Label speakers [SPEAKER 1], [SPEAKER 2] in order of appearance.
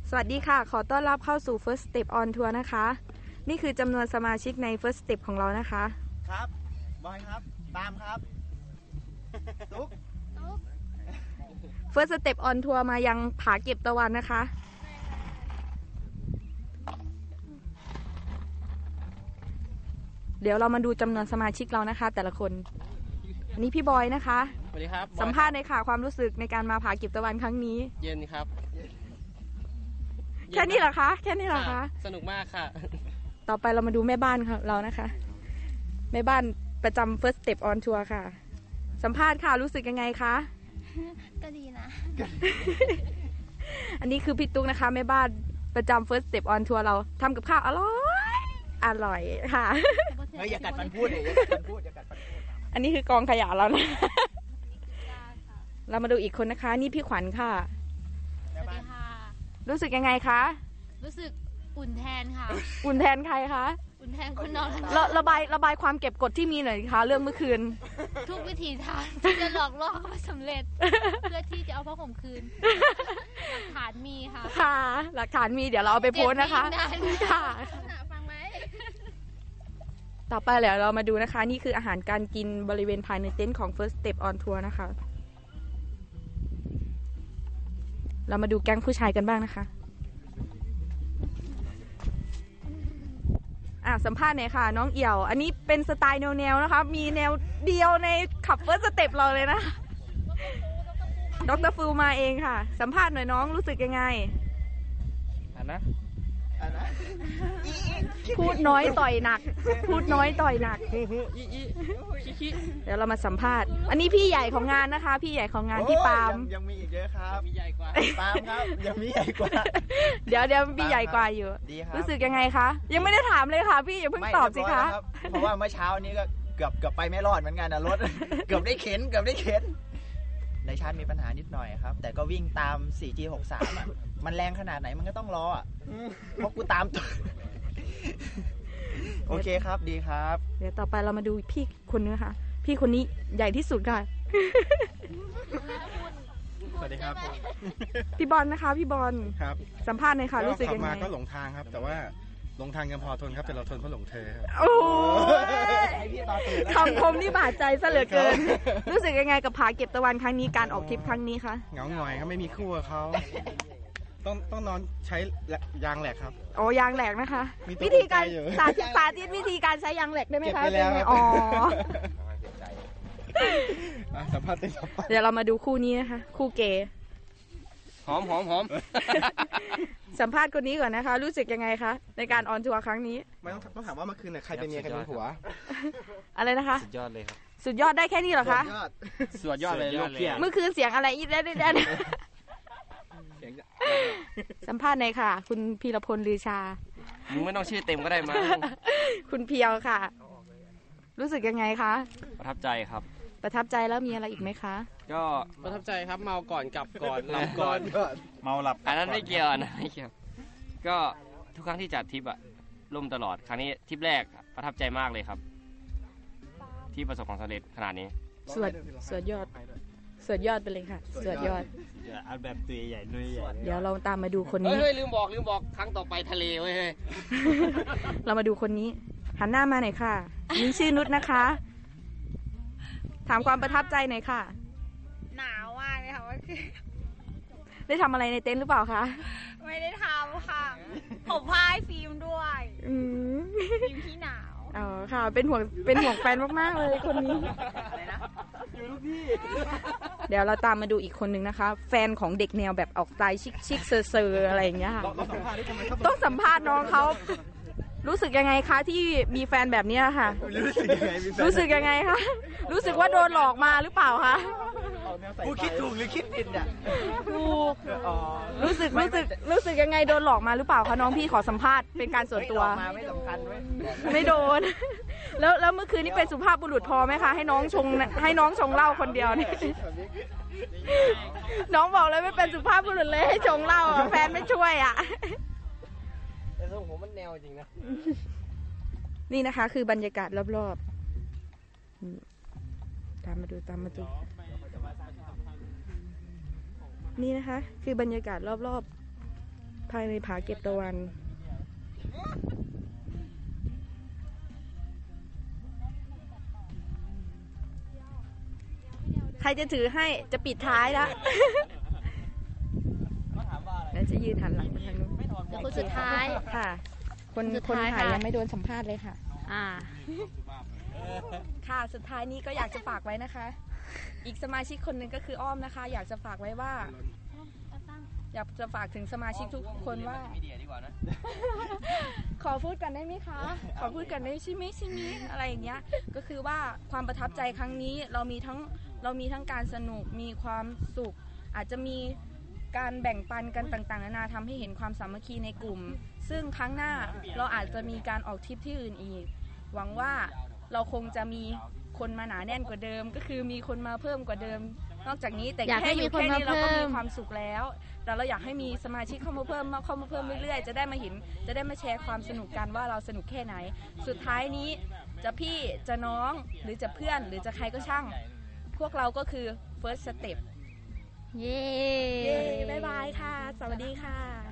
[SPEAKER 1] สวัสดีค่ะขอต้อนรับเข้าสู่ First Step on Tour นะคะนี่คือจำนวนสมาชิกใน First Step ของเรานะคะ
[SPEAKER 2] ครับบอยครับตามครับตุ๊ก
[SPEAKER 1] First Step on Tour มายังผาเก็บตะวันนะคะเดี๋ยวเรามาดูจำนวนสมาชิกเรานะคะแต่ละคนอันนี้พี่บอยนะคะ
[SPEAKER 3] สวัสดีครับ
[SPEAKER 1] สัมภาษณ์ในค่ะความรู้สึกในการมาผาเก็บตะวันครั้งนี้
[SPEAKER 3] เย็นครับ
[SPEAKER 1] แค่นี้เหรอคะแค่นี้เหรอคะ
[SPEAKER 3] สนุกมากค่ะ
[SPEAKER 1] ต่อไปเรามาดูแม่บ้านค่ะเรานะคะแม่บ้านประจำ First Step on Tour ค่ะสัมภาษณ์ค่ะรู้สึกยังไงคะ
[SPEAKER 4] ก็ดีนะ
[SPEAKER 1] อันนี้คือพี่ตุ๊กนะคะแม่บ้านประจำ First Step on Tour เราทำกับข้าวอร่อยค่ะ
[SPEAKER 2] เฮ้ยอย่ากัดฟันพูดเลยอย่ากัดฟันพูดอย่ากัดฟันพูด
[SPEAKER 1] อันนี้คือกองขยะเรานะเรามาดูอีกคนนะคะนี่พี่ขวัญค่ะ
[SPEAKER 4] สวัสดีค่ะ
[SPEAKER 1] รู้สึกยังไงคะ
[SPEAKER 4] รู้สึกอุ่นแทนค่ะ
[SPEAKER 1] อุ่นแทนใครคะ
[SPEAKER 4] อุ่นแทนคนนอน
[SPEAKER 1] ระบายความเก็บกดที่มีหน่อยคะเรื่องเมื่อคืน
[SPEAKER 4] ทุกวิธีทางที่จะหลอกล่อเขาสำเร็จเพื่อที่จะเอาผ้าห่มคืนหลักฐานมีค่ะ
[SPEAKER 1] ค่ะหลักฐานมีเดี๋ยวเราเอาไปโพสนะคะค่ะ
[SPEAKER 4] ฟังไหม
[SPEAKER 1] ต่อไปเดี๋ยวเรามาดูนะคะนี่คืออาหารการกินบริเวณภายในเต็นท์ของ First Step on Tour นะคะเรามาดูแก๊งผู้ชายกันบ้างนะคะสัมภาษณ์หน่อยค่ะน้องเอี่ยวอันนี้เป็นสไตล์แนวนะคะมีแนวเดียวในขับ First Step เราเลยนะดร.ฟูมาเองค่ะสัมภาษณ์หน่อยน้องรู้สึกยังไงพูดน้อยต่อยหนักพูดน้อยต่อยหนักเดี๋ยวเรามาสัมภาษณ์อันนี้พี่ใหญ่ของงานนะคะพี่ใหญ่ของงานพี่ปาล์ม
[SPEAKER 2] ยังมีอีกเยอะครับ
[SPEAKER 3] มีใหญ่กว่า
[SPEAKER 2] ปาล์มครับยังมีใหญ่กว่า
[SPEAKER 1] เดี๋ยวพี่ใหญ่กว่าอยู่รู้สึกยังไงคะยังไม่ได้ถามเลยค่ะพี่อย่าเพิ่งตอบสิคะ
[SPEAKER 2] เพราะว่าเมื่อเช้านี้ก็เกือบไปไม่รอดเหมือนกันนะรถเกือบได้เข็นในชาร์จมีปัญหานิดหน่อยครับแต่ก็วิ่งตาม 4G63 อ่ะมันแรงขนาดไหนมันก็ต้องรออ่ะเพราะกูตามตัวโอเคครับดีครับ
[SPEAKER 1] เดี๋ยวต่อไปเรามาดูพี่คนนึงค่ะพี่คนนี้ใหญ่ที่สุดค่ะ
[SPEAKER 5] สวัสดีครับ
[SPEAKER 1] พี่บอลนะคะพี่บอล
[SPEAKER 5] ครับ
[SPEAKER 1] สัมภาษณ์หน่อยค่ะรู้สึกยังไง
[SPEAKER 5] ก็หลงทางครับแต่ว่าหลงทางยังพอทนครับแต่เราทนเพราะหลงเธอครับ
[SPEAKER 1] โอ้คำคมนี่บาดใจซะเหลือเกินรู้สึกยังไงกับผาเก็บตะวันครั้งนี้การออกทริปครั้งนี้คะ
[SPEAKER 5] เหงาหงอยครับไม่มีคู่กับเขาต้องนอนใช้ยางแหลกครับ
[SPEAKER 1] โอ้ยางแหลกนะคะวิธีการสาธิตวิธีการใช้ยางแหลกได้ไหมคะ
[SPEAKER 5] เป็นไงอ๋อสัมภาษณ์
[SPEAKER 1] เดี๋ยวเรามาดูคู่นี้นะคะคู่เกย์
[SPEAKER 3] หอม
[SPEAKER 1] สัมภาษณ์คนนี้ก่อนนะคะรู้สึกยังไงคะในการออนทัวร์ครั้งนี้
[SPEAKER 5] ไม่ต้องถามว่าเมื่อคืนใครเป็นเมียใครเป็นผัว
[SPEAKER 1] อะไรนะคะ
[SPEAKER 3] สุดยอดเลยครับ
[SPEAKER 1] สุดยอดได้แค่นี้เหรอคะ
[SPEAKER 3] สุดยอดเลยลูกเพี้ย
[SPEAKER 1] เมื่อคืนเสียงอะไรอีกได้สัมภาษณ์หน่อยค่ะคุณพีรพลลือชา
[SPEAKER 3] มึงไม่ต้องชื่อเต็มก็ได้มา
[SPEAKER 1] คุณเพียวค่ะรู้สึกยังไงคะ
[SPEAKER 3] ประทับใจครับ
[SPEAKER 1] ประทับใจแล้วมีอะไรอีกไหมคะ
[SPEAKER 3] ก็ประทับใจครับเมาก่อนกลับก่อนหลับก่อน
[SPEAKER 5] เมาหลับ
[SPEAKER 3] อันนั้นไม่เกี่ยวนะไม่เกี่ยวก็ทุกครั้งที่จัดทริปอะล่มตลอดครั้งนี้ทริปแรกประทับใจมากเลยครับที่ประสบความสำเร็จขนาดนี้
[SPEAKER 1] สวดยอดไปเลยค่ะสวดยอด
[SPEAKER 5] เอาแบบตัวใหญ่นุ่ยใหญ่
[SPEAKER 1] เดี๋ยวเราตามมาดูคนนี้
[SPEAKER 3] เฮ้ยลืมบอกครั้งต่อไปทะเลเว้ย
[SPEAKER 1] เรามาดูคนนี้หันหน้ามาหน่อยค่ะนี่ชื่อนุชนะคะถามความประทับใจหน่อยค่ะ
[SPEAKER 4] หนาวมากเลยค่ะว่าคือ
[SPEAKER 1] ได้ทำอะไรในเต็นท์หรือเปล่าคะ
[SPEAKER 4] ไม่ได้ทำค่ะผมพายฟิล์มด้วยฟิล์มที่หนาว
[SPEAKER 1] อ๋อค่ะเป็นห่วงแฟนมากๆเลยคนนี้
[SPEAKER 2] อะไรนะอยู่ลูกพี่
[SPEAKER 1] เดี๋ยวเราตามมาดูอีกคนนึงนะคะแฟนของเด็กแนวแบบออกสไตล์ชิคๆเซอร์อะไรอย่างเงี้ยค่ะต้องสัมภาษณ์น้องเขารู้สึกยังไงคะที่มีแฟนแบบนี้ค่ะรู้สึกยังไงคะรู้สึกว่าโดนหลอกมาหรือเปล่าคะ
[SPEAKER 2] ผู้คิดถูกหรือคิดผิดเนี่ย
[SPEAKER 1] ถูกรู้สึกยังไงโดนหลอกมาหรือเปล่าคะน้องพี่ขอสัมภาษณ์เป็นการส่วนตัว
[SPEAKER 2] ไม่สำคัญเว้ย
[SPEAKER 1] ไม่โดนแล้วเมื่อคืนนี้เป็นสุภาพบุรุษพอไหมคะให้น้องชงเหล้าคนเดียวนี่น้องบอกเลยไม่เป็นสุภาพบุรุษเลยให้ชงเหล้าแฟนไม่ช่วยอ่ะ
[SPEAKER 3] แต่ทรงผมมันแนวจริงนะ
[SPEAKER 1] นี่นะคะคือบรรยากาศรอบๆตามมาดูนี่นะคะคือบรรยากาศรอบภายในผาเก็บตะวันใครจะถือให้จะปิดท้ายแล้ว แล้วจะยืนหันหลังไปทางนู้น
[SPEAKER 4] เดี๋ยวคนสุดท้าย
[SPEAKER 1] ค่ะ คน
[SPEAKER 4] สุด
[SPEAKER 1] คน
[SPEAKER 4] ท้าย
[SPEAKER 1] ถ่าย
[SPEAKER 4] ค่ะ
[SPEAKER 1] ยังไม่โดนสัมภาษณ์เลยค่ะ
[SPEAKER 4] อ่า
[SPEAKER 1] ค่ะ สุดท้ายนี้ก็อยากจะฝากไว้นะคะ อีกสมาชิกคนหนึ่งก็คืออ้อมนะคะ อยากจะฝากไว้ว่า อยากจะฝากถึงสมาชิกทุกคนว่า ขอพูดกันได้ไหมคะ ขอพูดกันได้ใช่ไหมอะไรอย่างเงี้ย ก็คือว่าความประทับใจครั้งนี้เรามีทั้งการสนุกมีความสุข อาจจะมีการแบ่งปันกันต่างๆนานาทำให้เห็นความสามัคคีในกลุ่ม ซึ่งครั้งหน้าเราอาจจะมีการออกทริปที่อื่นอีก หวังว่าเราคงจะมีคนมาหนาแน่นกว่าเดิม ก็คือมีคนมาเพิ่มกว่าเดิม นอกจากนี้แต่
[SPEAKER 4] อยากให้
[SPEAKER 1] แค่อยู่
[SPEAKER 4] มีคน
[SPEAKER 1] แค่นี้เราก็
[SPEAKER 4] มาเพิ่
[SPEAKER 1] มี
[SPEAKER 4] ม
[SPEAKER 1] ความสุขแล้ว แต่เราอยากให้มีสมาชิกเข้ามาเพิ่มเรื่อยๆ จะได้มาเห็น จะได้มาแชร์ความสนุกกันว่าเราสนุกแค่ไหน สุดท้ายนี้จะพี่จะน้องหรือจะเพื่อนหรือจะใครก็ช่าง พวกเราก็คือ first step
[SPEAKER 4] เย้
[SPEAKER 1] เย้ บ๊ายบายค่ะ สวัสดีค่ะ